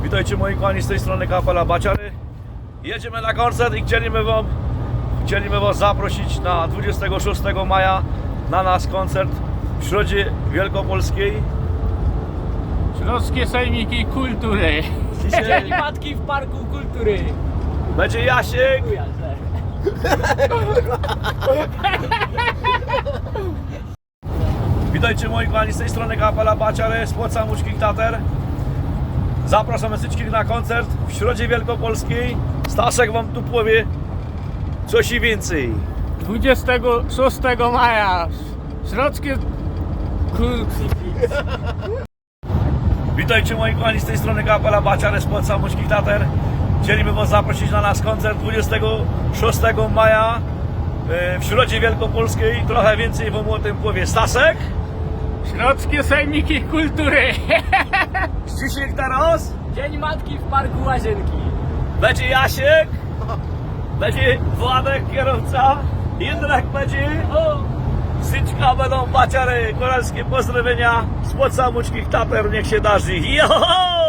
Witajcie moi kochani, z tej strony Kapela Baciary. Jedziemy na koncert i chcieliśmy was zaprosić na 26 maja na nasz koncert w Środzie Wielkopolskiej. Śląskie Sejmiki Kultury. Dzisiaj Matki w Parku Kultury. będzie Jasiek, witajcie moi kochani, z tej strony Kapela Baciary, z Płoca Łódzkich Tater. Zapraszamy wszystkich na koncert w Środzie Wielkopolskiej. Staszek wam tu powie coś i więcej. 26 maja. Śląskie Witajcie moi kochani, z tej strony Kapela Baciary, z Płoca Łódzkich Tater. Chcieliby was zaprosić na nasz koncert 26 maja w Środzie Wielkopolskiej. Trochę więcej wam o tym powie Staszek. Śląskie Sejmiki Kultury. Zdzisiek teraz. Dzień Matki w Parku Łazienki. Będzie Jasiek. Będzie Władek, kierowca. Jędrek będzie. O! Syczka będą Baciary. Koralskie pozdrowienia z Płoca Łódzkich Tater. Niech się darzy. Joho!